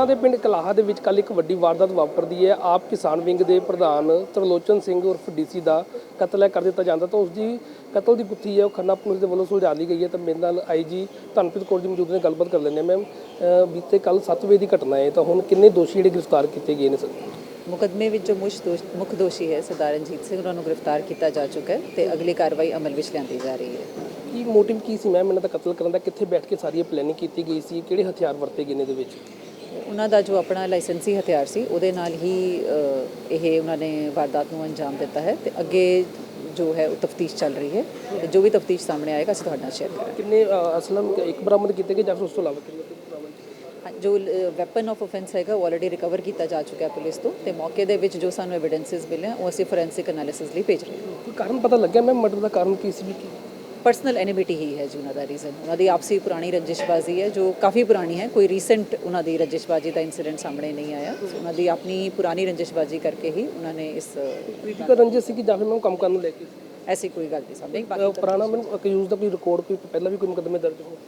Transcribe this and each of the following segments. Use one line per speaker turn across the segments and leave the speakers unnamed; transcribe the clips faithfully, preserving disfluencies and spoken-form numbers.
ਦੇ ਪਿੰਡ ਕਲਾਹਾ ਦੇ ਵਿੱਚ ਕੱਲ੍ਹ ਇੱਕ ਵੱਡੀ ਵਾਰਦਾਤ ਵਾਪਰਦੀ ਹੈ। ਆਪ ਕਿਸਾਨ ਵਿੰਗ ਦੇ ਪ੍ਰਧਾਨ ਤਰਲੋਚਨ ਸਿੰਘ ਉਰਫ ਡੀਸੀ ਦਾ ਕਤਲ ਹੈ ਕਰ ਦਿੱਤਾ ਜਾਂਦਾ ਤਾਂ ਉਸ ਦੀ ਕਤਲ ਦੀ ਗੁੱਥੀ ਹੈ ਉਹ ਖੰਨਾ ਪੁਲਿਸ ਦੇ ਵੱਲੋਂ ਸੁਲਝਾ ਲਈ ਗਈ ਹੈ। ਤਾਂ ਮੇਰੇ ਨਾਲ ਆਈ ਜੀ ਧਨਪ੍ਰੀਤ ਕੌਰ ਜੀ ਮੌਜੂਦ ਨੇ, ਗੱਲਬਾਤ ਕਰ ਲੈਂਦੇ ਹਾਂ। ਮੈਮ, ਬੀਤੇ ਕੱਲ੍ਹ ਸੱਤ ਵਜੇ ਦੀ ਘਟਨਾ ਹੈ, ਤਾਂ ਹੁਣ ਕਿੰਨੇ ਦੋਸ਼ੀ ਜਿਹੜੇ ਗ੍ਰਿਫਤਾਰ ਕੀਤੇ ਗਏ ਨੇ ਸਰ?
ਮੁਕੱਦਮੇ ਵਿੱਚ ਜੋ ਮੁੱਖ ਦੋਸ਼ ਮੁੱਖ ਦੋਸ਼ੀ ਹੈ ਸਰਦਾਰ ਰਣਜੀਤ ਸਿੰਘ, ਉਹਨਾਂ ਨੂੰ ਗ੍ਰਿਫਤਾਰ ਕੀਤਾ ਜਾ ਚੁੱਕਾ ਹੈ ਤੇ ਅਗਲੀ ਕਾਰਵਾਈ ਅਮਲ ਵਿੱਚ ਲਿਆਂਦੀ ਜਾ ਰਹੀ ਹੈ।
ਕੀ ਮੋਟਿਵ ਕੀ ਸੀ ਮੈਮ ਇਹਨਾਂ ਦਾ ਕਤਲ ਕਰਨ ਦਾ? ਕਿੱਥੇ ਬੈਠ ਕੇ ਸਾਰੀ ਇਹ ਪਲੈਨਿੰਗ ਕੀਤੀ ਗਈ ਸੀ? ਕਿਹੜੇ ਹਥਿਆਰ ਵਰਤੇ ਗਏ ਨੇ ਇਹਦੇ ਵਿੱਚ?
ਉਹਨਾਂ ਦਾ ਜੋ ਆਪਣਾ ਲਾਇਸੈਂਸੀ ਹਥਿਆਰ ਸੀ ਉਹਦੇ ਨਾਲ ਹੀ ਅ, ਇਹ ਉਹਨਾਂ ਨੇ ਵਾਰਦਾਤ ਨੂੰ ਅੰਜਾਮ ਦਿੱਤਾ ਹੈ ਤੇ ਅੱਗੇ ਜੋ ਹੈ ਉਹ ਤਫਤੀਸ਼ ਚੱਲ ਰਹੀ ਹੈ ਤੇ ਜੋ ਵੀ ਤਫਤੀਸ਼ ਸਾਹਮਣੇ ਆਏਗਾ ਅਸੀਂ ਤੁਹਾਡੇ ਨਾਲ ਸ਼ੇਅਰ ਕਰਾਂਗੇ।
ਕਿੰਨੇ ਅਸਲਮ ਇੱਕ ਬਰਾਮਦ ਕੀਤੇ ਗਏ ਜਾਂ ਫਿਰ ਉਸ ਤੋਂ ਇਲਾਵਾ ਕਿੰਨੇ ਬਰਾਮਦ?
ਜੋ ਵੈਪਨ ਆਫ ਆਫੈਂਸ ਹੈਗਾ ਉਹ ਆਲਰੇਡੀ ਰਿਕਵਰ ਕੀਤਾ ਜਾ ਚੁੱਕਾ ਹੈ ਪੁਲਿਸ ਤੋਂ ਤੇ ਮੌਕੇ ਦੇ ਵਿੱਚ ਜੋ ਸਾਨੂੰ ਐਵੀਡੈਂਸਿਸ ਮਿਲੇ ਉਹ ਅਸੀਂ ਫੋਰੈਂਸਿਕ ਐਨਾਲਿਸਿਸ ਲਈ ਭੇਜ ਰਹੇ ਹਾਂ।
ਕੋਈ ਕਾਰਨ ਪਤਾ ਲੱਗਿਆ ਮੈਮ ਮਰਡਰ ਦਾ ਕਾਰਨ ਕੀ ਸੀ? ਕੀ
ਪਰਸਨਲ ਐਨਿਮਿਟੀ ਹੀ ਹੈ ਜੀ ਉਹਨਾਂ ਦਾ ਰੀਜ਼ਨ, ਉਹਨਾਂ ਦੀ ਆਪਸੀ ਪੁਰਾਣੀ ਰੰਜਿਸ਼ਬਾਜ਼ੀ ਹੈ ਜੋ ਕਾਫੀ ਪੁਰਾਣੀ ਹੈ। ਕੋਈ ਰੀਸੈਂਟ ਉਹਨਾਂ ਦੀ ਰੰਜਿਸ਼ਬਾਜ਼ੀ ਦਾ ਇਨਸੀਡੈਂਟ ਸਾਹਮਣੇ ਨਹੀਂ ਆਇਆ। ਉਹਨਾਂ ਦੀ ਆਪਣੀ ਪੁਰਾਣੀ ਰੰਜਿਸ਼ਬਾਜ਼ੀ ਕਰਕੇ ਹੀ ਉਹਨਾਂ ਨੇ ਇਸ
ਪੋਲੀਟੀਕਲ ਰੰਜਿਸ਼ ਸੀ ਕਿ ਜਾਂ ਫਿਰ ਮੈਂ ਕੰਮ ਕਰਨ ਨੂੰ ਲੈ ਕੇ
ਐਸੀ ਕੋਈ ਗੱਲ ਨਹੀਂ ਸਾਹਮਣੇ। ਬਾਕੀ
ਪੁਰਾਣਾ ਮੈਨੂੰ ਅਕਿਊਜ਼ ਦਾ ਕੋਈ ਰਿਕਾਰਡ ਕੋਈ ਪਹਿਲਾਂ ਵੀ ਕੋਈ ਮੁਕੱਦਮੇ ਦਰਜ ਹੋ?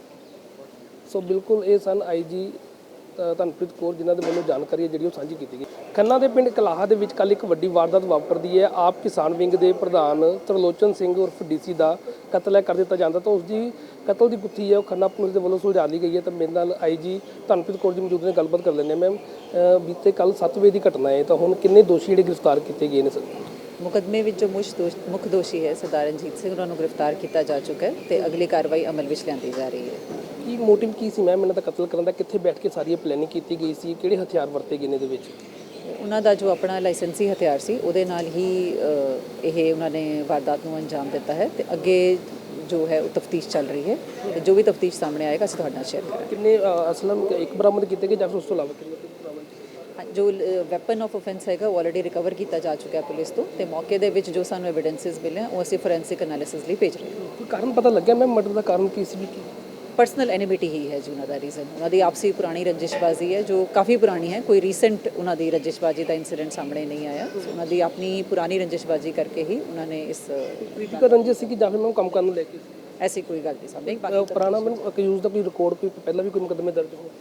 ਸੋ ਬਿਲਕੁਲ ਇਹ ਸਨ ਆਈ ਜੀ ਧਨਪ੍ਰੀਤ ਕੌਰ ਜਿਨ੍ਹਾਂ ਦੇ ਵੱਲੋਂ ਜਾਣਕਾਰੀ ਹੈ ਜਿਹੜੀ ਉਹ ਸਾਂਝੀ ਕੀਤੀ ਗਈ। ਖੰਨਾ ਦੇ ਪਿੰਡ ਕਲਾਹਾ ਦੇ ਵਿੱਚ ਕੱਲ੍ਹ ਇੱਕ ਵੱਡੀ ਵਾਰਦਾਤ ਵਾਪਰਦੀ ਹੈ। ਆਪ ਕਿਸਾਨ ਵਿੰਗ ਦੇ ਪ੍ਰਧਾਨ ਤਰਲੋਚਨ ਸਿੰਘ ਉਰਫ ਡੀਸੀ ਦਾ ਕਤਲ ਹੈ ਕਰ ਦਿੱਤਾ ਜਾਂਦਾ ਤਾਂ ਉਸ ਦੀ ਕਤਲ ਦੀ ਗੁੱਥੀ ਹੈ ਉਹ ਖੰਨਾ ਪੁਲਿਸ ਦੇ ਵੱਲੋਂ ਸੁਲਝਾ ਲਈ ਗਈ ਹੈ। ਤਾਂ ਮੇਰੇ ਨਾਲ ਆਈ ਜੀ ਧਨਪ੍ਰੀਤ ਕੌਰ ਜੀ ਮੌਜੂਦ ਨੇ, ਗੱਲਬਾਤ ਕਰ ਲੈਂਦੇ ਹਾਂ। ਮੈਮ, ਬੀਤੇ ਕੱਲ੍ਹ ਸੱਤ ਵਜੇ ਦੀ ਘਟਨਾ ਹੈ, ਤਾਂ ਹੁਣ ਕਿੰਨੇ ਦੋਸ਼ੀ ਜਿਹੜੇ ਗ੍ਰਿਫਤਾਰ ਕੀਤੇ ਗਏ ਨੇ ਸਰ?
ਮੁਕੱਦਮੇ ਵਿੱਚ ਜੋ ਮੁੱਖ ਦੋਸ਼ ਮੁੱਖ ਦੋਸ਼ੀ ਹੈ ਸਰਦਾਰ ਰਣਜੀਤ ਸਿੰਘ, ਉਹਨਾਂ ਨੂੰ ਗ੍ਰਿਫਤਾਰ ਕੀਤਾ ਜਾ ਚੁੱਕਾ ਹੈ ਤੇ ਅਗਲੀ ਕਾਰਵਾਈ ਅਮਲ ਵਿੱਚ ਲਿਆਂਦੀ ਜਾ ਰਹੀ ਹੈ।
ਕੀ ਮੋਟਿਵ ਕੀ ਸੀ ਮੈਮ ਇਹਨਾਂ ਦਾ ਕਤਲ ਕਰਨ ਦਾ? ਕਿੱਥੇ ਬੈਠ ਕੇ ਸਾਰੀ ਇਹ ਪਲੈਨਿੰਗ ਕੀਤੀ ਗਈ ਸੀ? ਕਿਹੜੇ ਹਥਿਆਰ ਵਰਤੇ ਗਏ ਨੇ ਇਹਦੇ ਵਿੱਚ?
ਉਹਨਾਂ ਦਾ ਜੋ ਆਪਣਾ ਲਾਇਸੈਂਸੀ ਹਥਿਆਰ ਸੀ ਉਹਦੇ ਨਾਲ ਹੀ ਅ, ਇਹ ਉਹਨਾਂ ਨੇ ਵਾਰਦਾਤ ਨੂੰ ਅੰਜਾਮ ਦਿੱਤਾ ਹੈ ਤੇ ਅੱਗੇ ਜੋ ਹੈ ਉਹ ਤਫਤੀਸ਼ ਚੱਲ ਰਹੀ ਹੈ ਤੇ ਜੋ ਵੀ ਤਫਤੀਸ਼ ਸਾਹਮਣੇ ਆਏਗਾ ਅਸੀਂ ਤੁਹਾਡੇ ਨਾਲ ਸ਼ੇਅਰ ਕਰਾਂਗੇ।
ਕਿੰਨੇ ਅਸਲਮ ਇੱਕ ਬਰਾਮਦ ਕੀਤੇ ਗਏ ਜਾਂ ਫਿਰ ਉਸ ਤੋਂ ਇਲਾਵਾ ਕਿੰਨੇ ਬਰਾਮਦ?
ਜੋ ਵੈਪਨ ਆਫ ਆਫੈਂਸ ਹੈਗਾ ਉਹ ਆਲਰੇਡੀ ਰਿਕਵਰ ਕੀਤਾ ਜਾ ਚੁੱਕਾ ਹੈ ਪੁਲਿਸ ਤੋਂ ਤੇ ਮੌਕੇ ਦੇ ਵਿੱਚ ਜੋ ਸਾਨੂੰ ਐਵੀਡੈਂਸਿਸ ਮਿਲੇ ਉਹ ਅਸੀਂ ਫੋਰੈਂਸਿਕ ਐਨਾਲਿਸਿਸ ਲਈ ਭੇਜ ਰਹੇ ਹਾਂ।
ਕੋਈ ਕਾਰਨ ਪਤਾ ਲੱਗਿਆ ਮੈਮ ਮਰਡਰ ਦਾ ਕਾਰਨ ਕੀ ਸੀ? ਕੀ
ਪਰਸਨਲ ਐਨਿਮਿਟੀ ਹੀ ਹੈ ਜੀ ਉਹਨਾਂ ਦਾ ਰੀਜ਼ਨ, ਉਹਨਾਂ ਦੀ ਆਪਸੀ ਪੁਰਾਣੀ ਰੰਜਿਸ਼ਬਾਜ਼ੀ ਹੈ ਜੋ ਕਾਫੀ ਪੁਰਾਣੀ ਹੈ। ਕੋਈ ਰੀਸੈਂਟ ਉਹਨਾਂ ਦੀ ਰੰਜਿਸ਼ਬਾਜ਼ੀ ਦਾ ਇਨਸੀਡੈਂਟ ਸਾਹਮਣੇ ਨਹੀਂ ਆਇਆ। ਉਹਨਾਂ ਦੀ ਆਪਣੀ ਪੁਰਾਣੀ ਰੰਜਿਸ਼ਬਾਜ਼ੀ ਕਰਕੇ ਹੀ ਉਹਨਾਂ ਨੇ ਇਸ
ਪੋਲੀਟੀਕਲ ਰੰਜਿਸ਼ ਸੀ ਕਿ ਜਾਂ ਫਿਰ ਮੈਂ ਕੰਮ ਕਰਨ ਨੂੰ ਲੈ ਕੇ
ਐਸੀ ਕੋਈ ਗੱਲ ਨਹੀਂ ਸਾਹਮਣੇ। ਬਾਕੀ
ਪੁਰਾਣਾ ਮੈਨੂੰ ਅਕਿਊਜ਼ ਦਾ ਕੋਈ ਰਿਕਾਰਡ ਕੋਈ ਪਹਿਲਾਂ ਵੀ ਕੋਈ ਮੁਕੱਦਮੇ ਦਰਜ ਹੋ?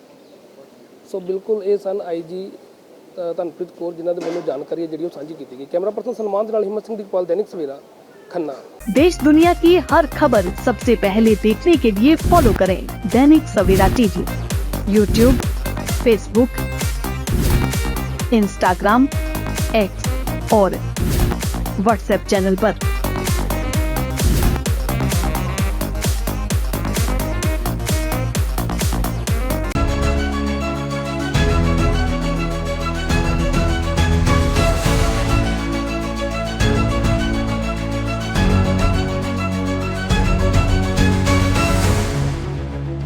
ਸੋ ਬਿਲਕੁਲ ਇਹ ਸਨ ਆਈ ਜੀ ਧਨਪ੍ਰੀਤ ਕੌਰ ਜਿਨ੍ਹਾਂ ਦੇ ਵੱਲੋਂ ਜਾਣਕਾਰੀ ਹੈ ਜਿਹੜੀ ਉਹ ਸਾਂਝੀ ਕੀਤੀ ਗਈ। ਕੈਮਰਾ ਪਰਸਨ ਸਲਮਾਨ ਦੇ ਨਾਲ ਹਿੰਮਤ ਸਿੰਘ ਦੀਪਾਲ, दैनिक सवेरा, खन्ना।
देश दुनिया की हर खबर सबसे पहले देखने के लिए फॉलो करें Dainik Savera TV, YouTube, Facebook, Instagram, X और व्हाट्सएप चैनल पर।